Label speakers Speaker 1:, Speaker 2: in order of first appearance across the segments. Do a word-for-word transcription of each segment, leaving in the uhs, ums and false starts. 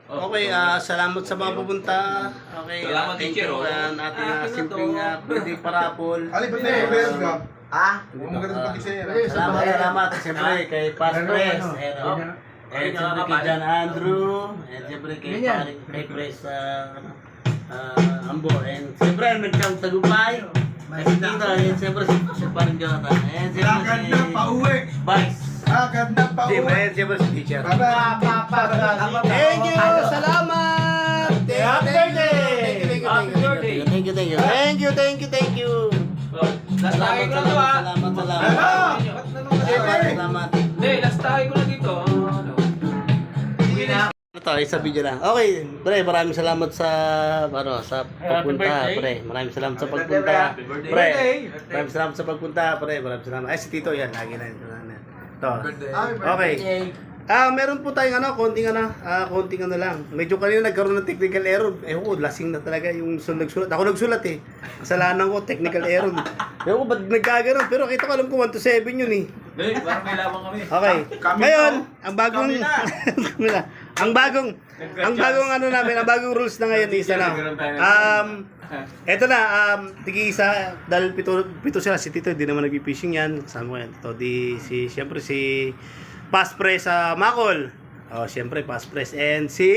Speaker 1: Okay, ah salamat sa mga pupunta. Okay,
Speaker 2: Salamat,
Speaker 1: ah, thank
Speaker 2: teacher,
Speaker 1: you.
Speaker 2: oh.
Speaker 1: Ang ating
Speaker 2: Ah,
Speaker 1: ah,
Speaker 2: akin na
Speaker 1: simpleng
Speaker 2: to.
Speaker 1: uh, birthday parapol.
Speaker 3: Ali, ba't tayo meron ka?
Speaker 4: Ha?
Speaker 3: Huwag mo ganun pati sa'yo.
Speaker 1: Salamat, salamat. Siyempre kay Past Press. And, oh, and siyempre kay John Andrew. And siyempre kay, Paring- kay Press ah, ah, Ambo. And siyempre nagkang tagumpay. And si Tito. And siyempre si, si Paring Jonathan. And siyempre
Speaker 3: Lakad
Speaker 1: si
Speaker 3: na pauwi.
Speaker 1: Vice.
Speaker 3: Lakad na
Speaker 1: Team.
Speaker 3: pauwi.
Speaker 1: And siyempre si Teacher.
Speaker 3: Bye-bye.
Speaker 1: Thank you! Salamat!
Speaker 3: Happy birthday!
Speaker 1: Thank you, thank you, thank you, thank you. Thank you, thank you, thank you.
Speaker 2: Last tayo
Speaker 1: Salamat,
Speaker 2: ko na to ah.
Speaker 1: salamat, salamat,
Speaker 3: Ano?
Speaker 1: salamat. Salamat, salamat.
Speaker 2: Hindi, last tayo ko na dito. Ano? Uwi na.
Speaker 1: Ito, isa video lang. Okay, pre, maraming salamat sa ano, sa pagpunta, pre. Maraming salamat sa pagpunta.
Speaker 2: Happy birthday.
Speaker 1: Pre, maraming salamat sa pagpunta, pre. Maraming salamat. Ay, si Tito yan, lagi na yun. Ito. Okay. Ah, meron po tayong ano, konting ano, ah, konting ano lang. Medyo kanina nagkaroon ng technical error. Eh, oh, lasing na talaga yung sun nagsulat. Ako nagsulat eh. Kasalanan ko, technical error. Ewan ko, ba't nagkaganon? Pero kita ko alam ko one to seven yun eh.
Speaker 2: Hindi, parang may lamang kami.
Speaker 1: Okay.
Speaker 3: Kami
Speaker 1: Ngayon,
Speaker 3: to.
Speaker 1: ang bagong
Speaker 3: Kami na.
Speaker 1: Kami na. ang bagong ang bagong ano namin, ang bagong rules na ngayon is ano. Um eto na um tigi isa dahil pito pito sila si Tito, hindi naman nagpi-fishing yan. Kasama ko yan. Ito di si siyempre si Past Press sa Macol. Oh, siyempre Past Press and si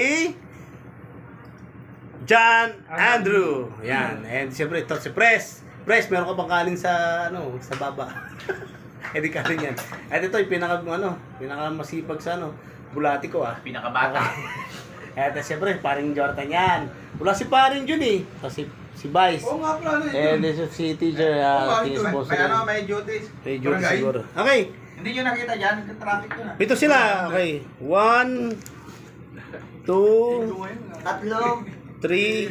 Speaker 1: John Andrew. Yan. And siyempre ito si Press. Press, meron ka bang kanin sa ano, sa baba? Eh di kanin yan. At ito yung pinaka ano, pinaka masipag sa ano, bulati ko ah.
Speaker 2: Pinakabata.
Speaker 1: At siyempre, paring Jordan yan. Wala si paring Jun eh. Kasi si Vice.
Speaker 3: Oo nga pala. ano
Speaker 1: And
Speaker 3: yun?
Speaker 1: this is si teacher.
Speaker 3: Oo
Speaker 1: Uh,
Speaker 3: nga, ito,
Speaker 1: sponsor.
Speaker 5: May ano, may duties.
Speaker 1: May Jun
Speaker 3: Barangay?
Speaker 1: siguro. Okay.
Speaker 5: Hindi nyo nakita dyan, traffic yun ah.
Speaker 1: Ito sila. Okay. One, two,
Speaker 4: Tatlo.
Speaker 1: three,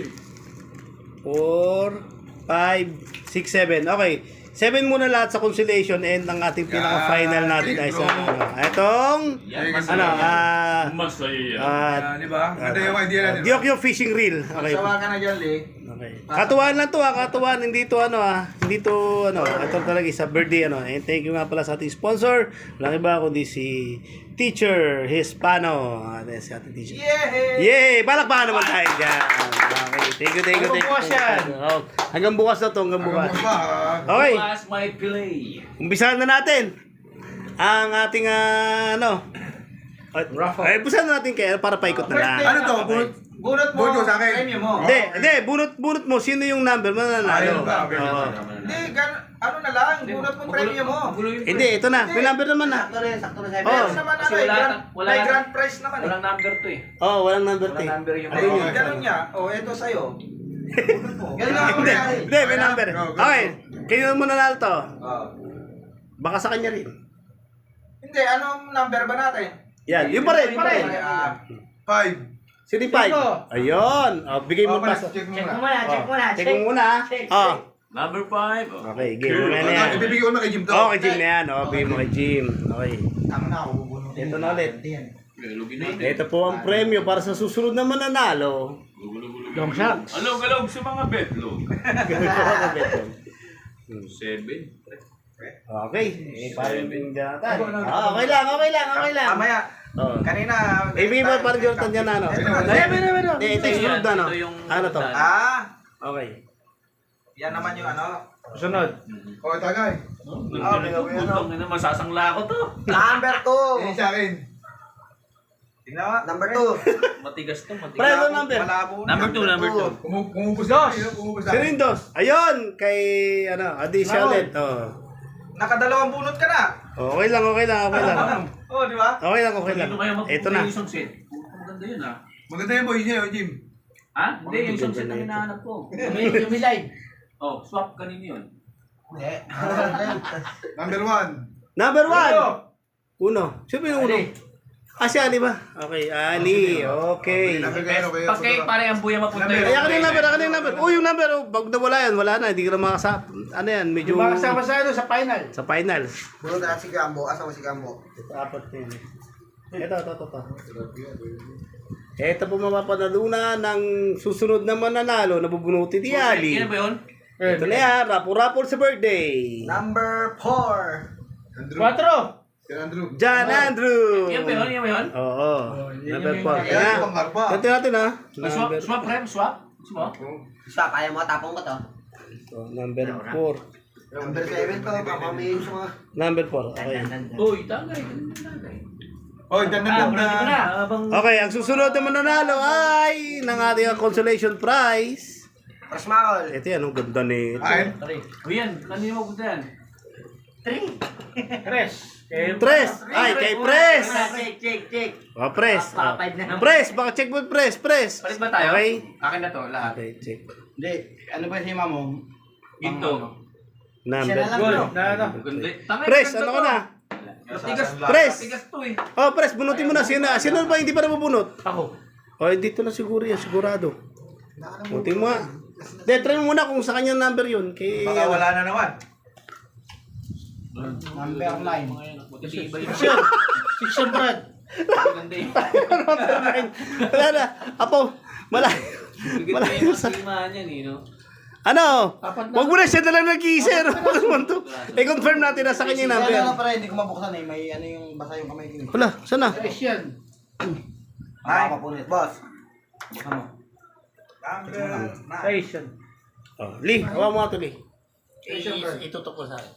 Speaker 1: four, five, six, seven. Okay. Seven muna lahat sa consolation and ang ating pinaka-final natin ay sa ano. Itong,
Speaker 2: Yan,
Speaker 1: ano, ah,
Speaker 2: Masaya.
Speaker 1: ah,
Speaker 3: Ah, di ba? Ganda yung idea natin.
Speaker 1: Diokyo fishing reel. Okay.
Speaker 5: Sawa ka na dyan, Lee.
Speaker 1: Okay. Katuwaan lang to ah, katuwaan, hindi to ano ah, hindi to ano, ito talaga isa birthday ano. And thank you nga pala sa ating sponsor. Walang iba kundi si Teacher Hispano. Ah, si ating teacher.
Speaker 5: Yeah!
Speaker 1: Yay! Palakpakan naman tayo dyan. Okay, thank you, thank you, thank you.
Speaker 5: Hanggang bukas yan.
Speaker 1: Oh, hanggang bukas na to, hanggang bukas.
Speaker 3: Hanggang bukas pa, ah.
Speaker 1: Okay,
Speaker 2: Pass my play.
Speaker 1: umpisahan na natin ang ating ah, ano. Ay, umpisahan na natin kaya para paikot na lang.
Speaker 3: Ano to? Bunot?
Speaker 5: Bunot mo,
Speaker 3: Bunot sa akin.
Speaker 5: premium mo.
Speaker 1: Hindi, hindi, bunot, bunot mo. Sino yung number? Mananalo.
Speaker 3: Ayun ba? Okay.
Speaker 1: Oo.
Speaker 5: Hindi, gan ano na lang, bunot mo premium mo.
Speaker 2: Gulo yung
Speaker 1: Hindi, ito na. May number naman na.
Speaker 4: Sakto rin, sakto rin sa
Speaker 1: Oh.
Speaker 5: Meron naman
Speaker 2: Kasi
Speaker 5: ano eh,
Speaker 2: wala
Speaker 5: grand,
Speaker 2: na- wala
Speaker 5: may
Speaker 2: na-
Speaker 5: grand prize naman eh.
Speaker 2: Walang number to eh.
Speaker 1: Oh, walang number
Speaker 2: Walang
Speaker 1: eh.
Speaker 2: number yung
Speaker 5: Ay,
Speaker 3: Okay.
Speaker 5: ganun niya. Oh, eto sa'yo. Bunot mo.
Speaker 4: Ganun lang ako
Speaker 1: Hindi,
Speaker 4: nangyari.
Speaker 1: hindi, may number.
Speaker 3: Go, go, go.
Speaker 1: Okay, kayo mo nanalo to.
Speaker 5: Oh.
Speaker 1: Baka sa kanya rin.
Speaker 5: Hindi, anong number ba natin?
Speaker 1: Yan, yun pa rin, yun pa rin.
Speaker 5: Ah,
Speaker 3: Five.
Speaker 1: Sino yung five? Ayun. Oh, bigay mo
Speaker 3: Okay,
Speaker 1: pa.
Speaker 3: check mo
Speaker 4: Check mo
Speaker 3: muna.
Speaker 4: muna, check mo muna.
Speaker 1: Check mo muna. Oh.
Speaker 2: Number five. Oh.
Speaker 1: Okay, game mo na
Speaker 3: Oh,
Speaker 1: yan.
Speaker 3: ibibigay ko na kay Jim to.
Speaker 1: Oh, kay Jim na yan. Oh, bigay mo kay Jim. Okay.
Speaker 4: Tama na ako, bubunutin.
Speaker 1: Ito na ulit.
Speaker 2: Lugin natin.
Speaker 1: Ito po ang premyo para sa susunod na mananalo.
Speaker 2: Long shots. Alog-alog sa mga betlog. Seven.
Speaker 1: Okay. Eh, parang yung datan. Ah, okay lang, okay lang, okay lang.
Speaker 5: Mamaya,
Speaker 1: Oh.
Speaker 5: kanina.
Speaker 1: Eh, bigay mo parang Jordan yan ano.
Speaker 5: Ito na.
Speaker 1: Ay, meron, meron. Hindi, ito yung
Speaker 2: Ito
Speaker 1: sunod na ano.
Speaker 2: ito yung
Speaker 1: Ano to?
Speaker 2: sunod.
Speaker 5: Ah,
Speaker 1: Okay.
Speaker 5: yan naman yung ano.
Speaker 1: Sunod.
Speaker 3: Oh, tagay.
Speaker 5: Ah, okay, okay, ano.
Speaker 2: Ano, masasangla ko to.
Speaker 4: Number two.
Speaker 3: Eh, sa akin.
Speaker 5: Tingnan mo.
Speaker 4: Number two.
Speaker 2: Matigas to, matigas.
Speaker 1: Pre, ito number.
Speaker 5: Malabo na.
Speaker 2: Number two, number two.
Speaker 3: Kumu- Kumupos na. Dos. Kumupos na.
Speaker 1: Sino yung dos? Ayun! Kay, ano, Adi Charlotte. Oh.
Speaker 5: Nakadalawang bunot ka na.
Speaker 1: Okay lang, okay lang, okay lang.
Speaker 5: Oh, di ba?
Speaker 1: Okay lang, okay lang.
Speaker 2: Dito kayo
Speaker 1: Ito na.
Speaker 2: magpupunta yung isang set. Ang ganda yun ah.
Speaker 3: Maganda yung boy niya, oh, Jim.
Speaker 2: Ha? Hindi, yung isang set na hinahanap ko.
Speaker 4: Yung milay.
Speaker 2: Oh, swap kanino yun?
Speaker 4: Hindi.
Speaker 3: Number one.
Speaker 1: Number one!
Speaker 5: Uno.
Speaker 1: Uno. Sino yung uno? Ah, si Ali ba? Okay, Ali. Okay.
Speaker 3: Number kayo, kayo.
Speaker 2: Pag kayo pare ang buya mapunta
Speaker 3: Number.
Speaker 2: yun.
Speaker 1: Ay, akin yung number, akin yung number. Oh, yung number, oh, pag nawala yan, wala na. Hindi ka na makasap. Ano yan, medyo...
Speaker 5: sa ano, sa final.
Speaker 1: Sa final.
Speaker 4: Bunod na si Gambo. Asa mo si Gambo?
Speaker 1: Ito, apat na yun. Ito, ito, ito, ito. Ito po mapapanalunan ng susunod na mananalo na bubunutin ni Ali.
Speaker 2: Yan ba yun?
Speaker 1: Ito na yan, rapo-rapol sa birthday.
Speaker 4: Number four.
Speaker 3: Andrew.
Speaker 5: Quatro.
Speaker 3: Yan, Andrew.
Speaker 1: John Andrew.
Speaker 2: Yan ba yun? Yan ba yun?
Speaker 1: Oo.
Speaker 2: yan
Speaker 1: Number
Speaker 2: yung-
Speaker 1: four.
Speaker 3: Yan,
Speaker 1: Kaya,
Speaker 3: pang harpa.
Speaker 1: ganti natin ha.
Speaker 2: Swap,
Speaker 1: Number,
Speaker 2: swap, rem, swap. Swap.
Speaker 4: Stop, kaya mo tapong ko to.
Speaker 1: oh, number four.
Speaker 4: Number seven to, papamayin sa mga...
Speaker 1: Number four. Okay.
Speaker 2: Uy, tagay. Tagay.
Speaker 3: Oy, dan dan
Speaker 2: Ah,
Speaker 3: dan.
Speaker 2: ulitin mo na. Habang...
Speaker 1: Okay, ang susunod na mananalo ay ng ating consolation prize.
Speaker 4: Prasmakol.
Speaker 1: Ito yan, ang ganda nito.
Speaker 3: Ay,
Speaker 2: O yan, kanino mo gusto yan? Three. Tres. Eh,
Speaker 1: Tres. Ay, kay Pres.
Speaker 4: Check, check, check.
Speaker 1: Oh, Pres. Oh.
Speaker 4: Papapad na naman.
Speaker 1: Pres, baka check mo Pres, Pres.
Speaker 2: Palit ba tayo?
Speaker 1: Okay.
Speaker 2: Akin na to, lahat.
Speaker 1: Okay, check.
Speaker 5: Hindi, ano ba si Mamo?
Speaker 2: Ginto.
Speaker 1: Number
Speaker 4: Siya na lang,
Speaker 1: four.
Speaker 4: bro.
Speaker 2: Na, na. Ganda. Tangay,
Speaker 1: Pres,
Speaker 2: ganda
Speaker 1: ano
Speaker 2: to.
Speaker 1: ka na?
Speaker 2: Matigas.
Speaker 1: Pres.
Speaker 2: Matigas to eh.
Speaker 1: Oh, Pres, bunutin mo na. Sino, sino ba hindi pa nabubunot?
Speaker 2: Ako.
Speaker 1: Oh, dito na siguro yan, sigurado. Bunutin mo nga. De, try mo muna kung sa kanyang number yun. Kay,
Speaker 5: Baka wala na naman.
Speaker 4: Number nine.
Speaker 2: Buti iba yun.
Speaker 1: Sure.
Speaker 2: Fiction, Brad. Ganda yun.
Speaker 1: Number nine. Wala na. Apo, malayo.
Speaker 2: Ganda
Speaker 1: Malayo
Speaker 2: yung
Speaker 1: sa...
Speaker 2: masimaan yan eh, no?
Speaker 1: Ano?
Speaker 2: Apat na.
Speaker 1: Wag mo na siya na lang nag-iisir. I-confirm natin na sa kanya yung number.
Speaker 4: Kaya lang pala, hindi ko mabuksan eh. May ano yung basa yung kamay ko eh.
Speaker 1: Wala, saan na?
Speaker 2: Tres yan.
Speaker 4: Ay, papunit. Boss. Buksan mo.
Speaker 5: Number nine.
Speaker 2: Tres yan.
Speaker 1: Oh, Lee, hawa mo nga ito, Lee.
Speaker 2: Itutok ko sa akin.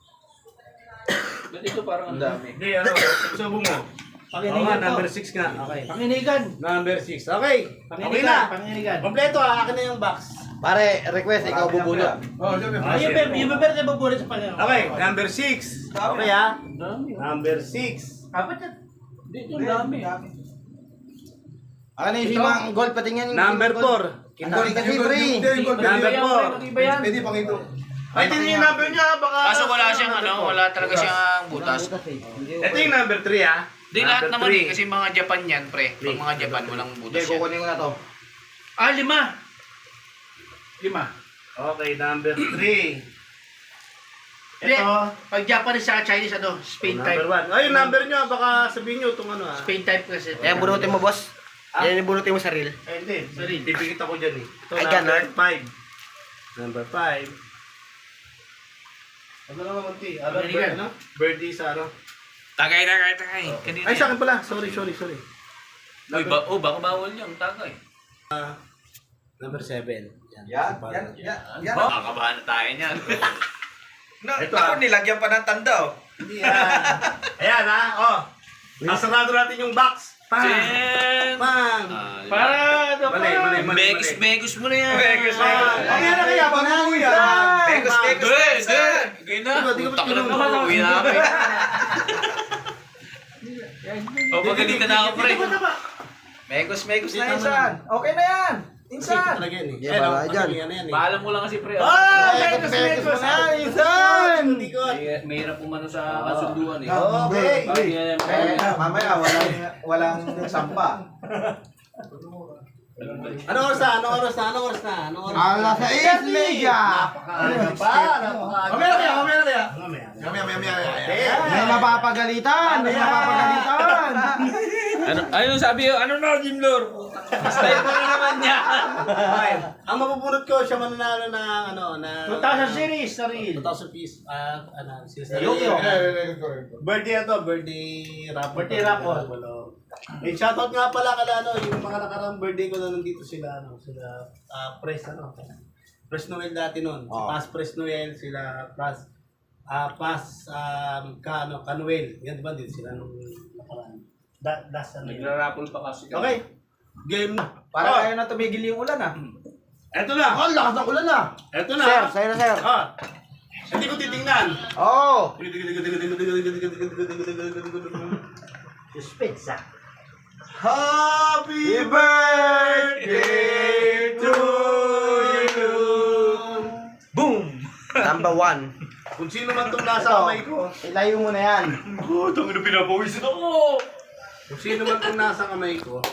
Speaker 2: Ba't ito parang ang dami?
Speaker 1: Hindi, ano, subo mo. Oo nga, number six nga. Okay.
Speaker 2: Panginigan.
Speaker 1: Number six. Okay. Okay
Speaker 2: Panginigan.
Speaker 1: na.
Speaker 2: Panginigan.
Speaker 1: Kompleto ah, akin na yung box.
Speaker 4: Pare, request, ikaw bubulot.
Speaker 3: Oh, diyan may
Speaker 1: Ah,
Speaker 3: flash.
Speaker 1: yung
Speaker 2: Yung yung bebe na babulit sa pala.
Speaker 1: Okay, number six. Okay ah.
Speaker 2: Dami. oh.
Speaker 1: Number six.
Speaker 2: Apat yan. Dito ang dami.
Speaker 4: Ano yung si Mang Gold patingin?
Speaker 1: Number four.
Speaker 4: Kita kasi pre.
Speaker 1: Number four.
Speaker 2: Iba yan.
Speaker 3: Pwede pang ito.
Speaker 1: Ay, ito yung number niya, baka...
Speaker 6: Kaso wala siyang ano, wala talaga siyang butas.
Speaker 1: Ito yung number three ah.
Speaker 6: Di lahat
Speaker 1: Number
Speaker 6: naman
Speaker 1: three.
Speaker 6: eh, kasi mga Japan yan, pre. Pag mga Japan, walang
Speaker 4: Hindi,
Speaker 6: butas yan.
Speaker 4: kukunin ko na to.
Speaker 2: Ah, lima. Lima.
Speaker 1: Okay, number three.
Speaker 2: Hindi.
Speaker 1: Ito.
Speaker 2: Pag Japanese sa Chinese, ano? Spain
Speaker 1: Number
Speaker 2: type.
Speaker 1: one. Ay, yung number nyo, baka sabihin nyo itong ano ah.
Speaker 2: Spain type kasi.
Speaker 4: Kaya bunutin mo, boss.
Speaker 1: Ah?
Speaker 4: Yan yung bunutin mo sa reel.
Speaker 1: Eh, hindi.
Speaker 2: Sorry.
Speaker 1: Pipikit ako dyan eh. Ito,
Speaker 4: Ay,
Speaker 1: number
Speaker 4: ganun.
Speaker 1: five. Number five. Ano naman, Monty? Ano,
Speaker 2: Panginigan.
Speaker 1: bird, ano? Birdie sa ano?
Speaker 6: Tagay, tagay, tagay. Kanina
Speaker 1: Ay, sa
Speaker 6: yan.
Speaker 1: akin pala. Sorry, sorry, sorry.
Speaker 6: Uy, ba, oh, baka bawal yung tagay.
Speaker 1: Number seven.
Speaker 5: Yan, yan, yan. yan.
Speaker 6: Baka kabahan na tayo niyan.
Speaker 5: Na,
Speaker 1: Ito,
Speaker 5: ako,
Speaker 1: ah.
Speaker 5: nilagyan pa ng tanda oh.
Speaker 1: Hindi yan. Ayan ha. Oh. Nasarado natin yung box. Pang.
Speaker 6: Chen!
Speaker 1: Pang.
Speaker 6: Ah,
Speaker 2: Para, ano
Speaker 1: Mali, mali, mali.
Speaker 6: Megos, megos mo na yan.
Speaker 5: Megos, megos.
Speaker 1: Ang yan na kaya. Panalo yan.
Speaker 5: Megos,
Speaker 1: Pang.
Speaker 5: megos.
Speaker 6: Hindi, hindi. Gaya na.
Speaker 1: Di ba, di ba,
Speaker 6: Putak na
Speaker 1: tinulungan
Speaker 6: naman.
Speaker 1: ako?
Speaker 6: Uwi namin. O, pagalitan na ako, pre.
Speaker 5: Megos, megos na insan. Okay na yan. Insan.
Speaker 1: Talaga yan eh.
Speaker 4: Yeah,
Speaker 1: Ayan,
Speaker 4: bala
Speaker 1: oh,
Speaker 4: dyan.
Speaker 1: kasi yan, yan eh.
Speaker 2: Paalam mo lang kasi pre.
Speaker 1: Oh!
Speaker 4: Ay,
Speaker 1: Megos,
Speaker 4: Megos
Speaker 1: Megos.
Speaker 4: na,
Speaker 1: Ah,
Speaker 4: Insan!
Speaker 1: Likod.
Speaker 2: May- Mahirap umano sa kasunduan eh.
Speaker 1: Okay.
Speaker 2: Parang yan,
Speaker 5: Eh, mamaya, walang, walang sampa.
Speaker 1: Anong oras na? Anong oras na? Anong oras na? Anong oras na?
Speaker 4: Alas sais, Mega!
Speaker 1: Napakaaga pa. Napakaaga.
Speaker 3: Mamaya kaya, mamaya kaya.
Speaker 1: Mamaya.
Speaker 3: Mamaya, mamaya, mamaya.
Speaker 4: May mapapagalitan! May mapapagalitan!
Speaker 6: Ano, ano sabi yun? Ano na, Jim Lord? Style mo na naman niya.
Speaker 1: Okay. Ang mapupulot ko, siya mananalo ng ano, na...
Speaker 2: two thousand series, sarili.
Speaker 1: two thousand piece. Ah, ano, sila.
Speaker 2: Yokyo.
Speaker 1: Birthday na to, birthday raffle.
Speaker 2: Birthday raffle.
Speaker 1: Eh, shoutout nga pala kada ano, yung mga nakarang birthday ko na nandito sila, ano, sila, ah, Press, ano, Press Noel dati nun. Si
Speaker 4: Oh.
Speaker 1: Pas Press Noel, sila, Pas, ah, Pas, um, ka, ano, Kanuel. Yan, diba, dito sila nung nakaraan. Da, das, ano yun.
Speaker 2: Nagra-raffle pa kasi.
Speaker 1: Okay. Game na.
Speaker 5: Para
Speaker 1: Oh,
Speaker 5: ayaw na tumigil yung ulan ah.
Speaker 1: eto na.
Speaker 4: Ang lakas ng ulan ah!
Speaker 1: Eto na.
Speaker 4: Sir, sa'yo na sir.
Speaker 1: Ah. Hindi ko titingnan.
Speaker 4: Oo!
Speaker 1: Suspense ah. Happy birthday to you.
Speaker 4: Boom! Number one.
Speaker 1: Kung sino man itong nasa kamay ko.
Speaker 4: Ilayo mo na yan.
Speaker 1: Oh, tangin na pinapawisin ako. Kung sino man itong nasa kamay ko.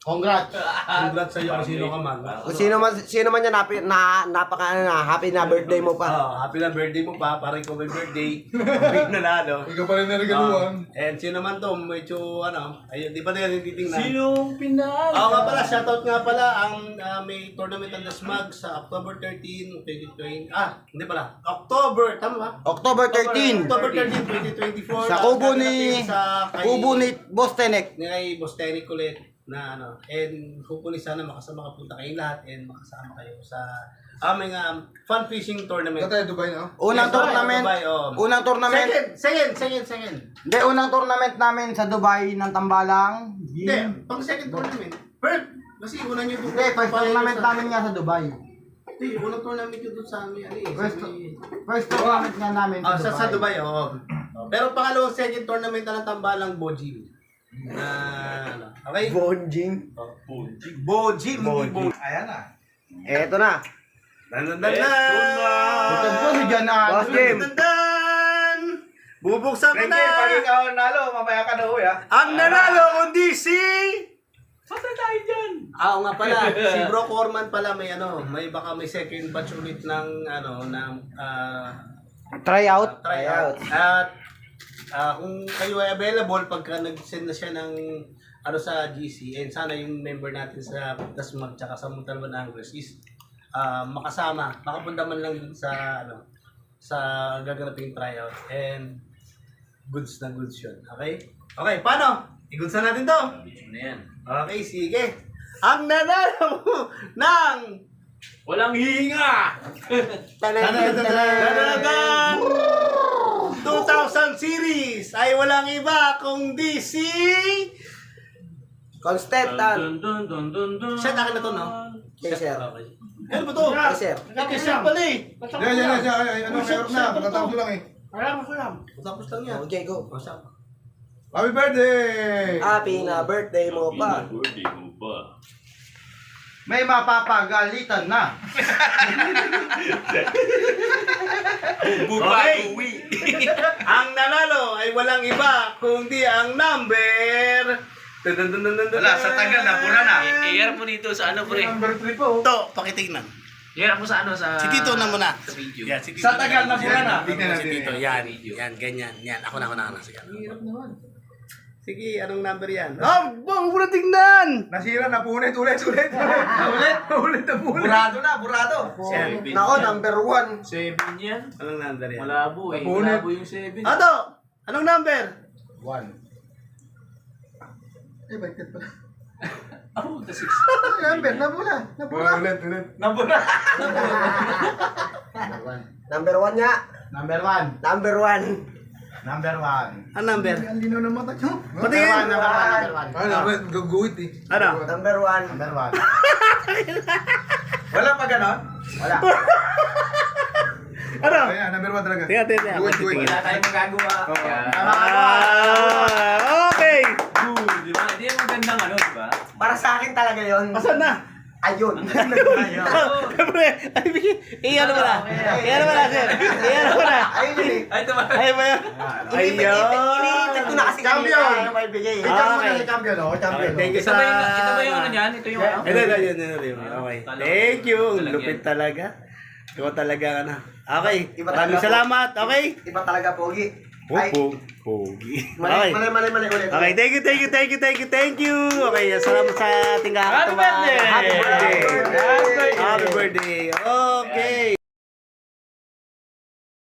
Speaker 4: Congrats.
Speaker 1: Congrats sa'yo kung sino ka man.
Speaker 7: Kung sino man, sino man yan, happy, na, napaka, ano na, happy na birthday mo pa.
Speaker 1: Oh, happy na birthday mo pa, parang ikaw may birthday. Big nanalo.
Speaker 3: Ikaw pa rin narigaluhan.
Speaker 1: Uh, and sino man to, medyo ano, ayun, di ba na yung titingnan?
Speaker 2: Sinong pinalo?
Speaker 1: Oo nga pala, shoutout nga pala, ang uh, may tournament ang Dasmag sa October thirteenth, twenty twenty, ah, hindi pala, October, tama ba?
Speaker 7: October thirteenth.
Speaker 1: October thirteenth, twenty twenty-four.
Speaker 7: Sa
Speaker 1: ah,
Speaker 7: kubo
Speaker 1: gaganapin
Speaker 7: ni,
Speaker 1: sa kay-
Speaker 7: kubo ni Boss Tenek.
Speaker 1: ni kay Boss Tenny ulit na ano, and hopefully sana makasama kapunta kayong lahat and makasama kayo sa aming um, fun fishing tournament.
Speaker 3: Ikaw tayo Dubai na.
Speaker 7: Unang
Speaker 1: Yes,
Speaker 7: tournament,
Speaker 1: Dubai, oh.
Speaker 7: unang tournament,
Speaker 1: Second, second, second, second.
Speaker 7: hindi, unang tournament namin sa Dubai ng Tambalang.
Speaker 1: Hindi, pang second tournament. First, kasi una nyo doon.
Speaker 7: Hindi, first tournament namin nga sa Dubai.
Speaker 1: Hindi, unang tournament nyo doon sa amin. Ano eh,
Speaker 7: First,
Speaker 1: sa,
Speaker 7: first tournament nga namin
Speaker 1: oh,
Speaker 7: sa
Speaker 1: sa,
Speaker 7: Dubai.
Speaker 1: sa Dubai, oo. Pero pangalawang second tournament na ng Tambalang Bojim. Na, ano, okay?
Speaker 7: Bonjing.
Speaker 1: Bojim, hindi Bojim.
Speaker 5: Ayan na.
Speaker 7: Eto na.
Speaker 1: Dan, dan, dan, dan.
Speaker 4: Bukod po si John Ann.
Speaker 7: Boss Jim.
Speaker 1: Dan, dan. Bubuksan ko
Speaker 5: Frankie, pag
Speaker 1: na.
Speaker 5: ikaw ang nalo, mamaya ka na uwi ha.
Speaker 1: Ang nanalo kundi si...
Speaker 2: Patay tayo dyan.
Speaker 1: Ah, oo nga pala. Si Bro Corman pala may ano, may baka may second batch ulit ng ano, ng ah,
Speaker 7: Try out.
Speaker 1: tryout. At ah, kung kayo ay available pagka nag-send na siya ng ano sa G C and sana yung member natin sa Dasmag tsaka sa Montalban Anglers is ah, makasama, makapunta man lang dun sa ano sa gaganaping tryout and goods na goods yun. Okay? Okay, paano? I-goods na natin to.
Speaker 2: Ano yan?
Speaker 1: Okay, sige. Ang nanalo ng
Speaker 2: Walang hihinga!
Speaker 1: Dalagang two thousand series ay walang iba kundi si...
Speaker 7: Constantan.
Speaker 2: Dun, dun, dun, dun, dun.
Speaker 1: Siya, akin na to, no?
Speaker 7: Yes, sir.
Speaker 1: Okay. Ano ba to?
Speaker 7: Yes, sir.
Speaker 1: Ate siya pala eh.
Speaker 3: Yan, yan, yan, yan. Ay, ano, mayroon na. Pagkatapos ko lang eh.
Speaker 1: Alam ko lang. Tapos lang yan.
Speaker 7: Okay, go.
Speaker 3: Happy birthday!
Speaker 7: Happy na birthday mo pa.
Speaker 2: Birthday mo pa.
Speaker 4: May mapapagalitan na.
Speaker 1: Okay. Ang nanalo ay walang iba kundi ang number...
Speaker 5: Wala, sa tagal na, pura na.
Speaker 2: I-air mo dito sa ano, pre?
Speaker 3: Number three po.
Speaker 1: Ito, pakitignan.
Speaker 2: I-air mo sa ano, sa...
Speaker 1: Si Tito na muna.
Speaker 2: Sa video.
Speaker 1: Yan, si Tito.
Speaker 5: Sa tagal na pura na.
Speaker 3: Tignan
Speaker 1: Si
Speaker 3: natin.
Speaker 1: Tito, yan. Yan, ganyan. Yan, ako na, ako na, ako na. Sige. Sige, anong number yan? Oh, bang muna tingnan!
Speaker 3: Nasira na, punit, ulit, ulit. Ulit, ulit na punit.
Speaker 5: Burado na, burado.
Speaker 1: Seven.
Speaker 7: Nako, number one.
Speaker 2: Seven yan.
Speaker 1: Anong number yan?
Speaker 2: Malabo eh.
Speaker 3: Napunit.
Speaker 2: Malabo yung seven.
Speaker 1: Ato! Anong number?
Speaker 3: One. Eh, bakit pala?
Speaker 2: Oh, the six.
Speaker 3: Number, nabula. Nabula. Ulit, ulit.
Speaker 5: Nabura.
Speaker 7: Number one nga.
Speaker 4: Number one.
Speaker 7: Number one.
Speaker 4: Number one.
Speaker 1: Ang number?
Speaker 3: Ang lino ng mata nyo.
Speaker 4: Number
Speaker 1: Patingin!
Speaker 4: one, number one, number one.
Speaker 3: Ay, naman, gaguhit eh.
Speaker 1: Ano?
Speaker 7: Number one.
Speaker 4: Number one.
Speaker 5: Wala pa ganon?
Speaker 4: Wala.
Speaker 1: Ano?
Speaker 3: Ayan, number one talaga.
Speaker 1: Tingnan, tingnan, tingnan.
Speaker 3: Guhit, guhit.
Speaker 5: Wala tayong magagawa.
Speaker 2: Yan.
Speaker 1: Ah, okay!
Speaker 2: Cool, di ba? Hindi yung magandang ano, di ba?
Speaker 7: Para sa akin talaga yon.
Speaker 1: Asan na?
Speaker 7: Ayun.
Speaker 1: Siyempre, ay, bigyan. Iyan mo na. Iyan mo na, sir. Iyan mo na.
Speaker 7: Ayun yun eh.
Speaker 2: Ay, tama.
Speaker 1: Ay, ba yun?
Speaker 7: Iniipit ko na kasi
Speaker 4: Champion.
Speaker 7: kanina ayaw maibigay.
Speaker 4: Ikaw
Speaker 1: Ah,
Speaker 4: mo
Speaker 1: okay.
Speaker 4: na si champion, oh. Champion.
Speaker 1: Okay, thank you
Speaker 2: Ito
Speaker 1: sa...
Speaker 2: ba yung, ito ba yung ano yan? Ito yung ano?
Speaker 1: Ito, ito, yun, yun, yun. Okay. Thank you. Ang lupit talaga. Ikaw talaga ka na. Okay.
Speaker 7: Iba
Speaker 1: Maraming
Speaker 7: talaga po.
Speaker 1: salamat. Okay.
Speaker 7: Iba talaga, Pogi. Ay,
Speaker 1: Opo. Pogi.
Speaker 7: mali,
Speaker 1: Okay.
Speaker 7: mali, mali, mali ulit.
Speaker 1: Okay, thank you, thank you, thank you, thank you, thank you. Okay, salamat sa ating kakatawa.
Speaker 2: Happy birthday!
Speaker 1: Happy birthday!
Speaker 7: Happy birthday!
Speaker 1: Happy birthday! Okay.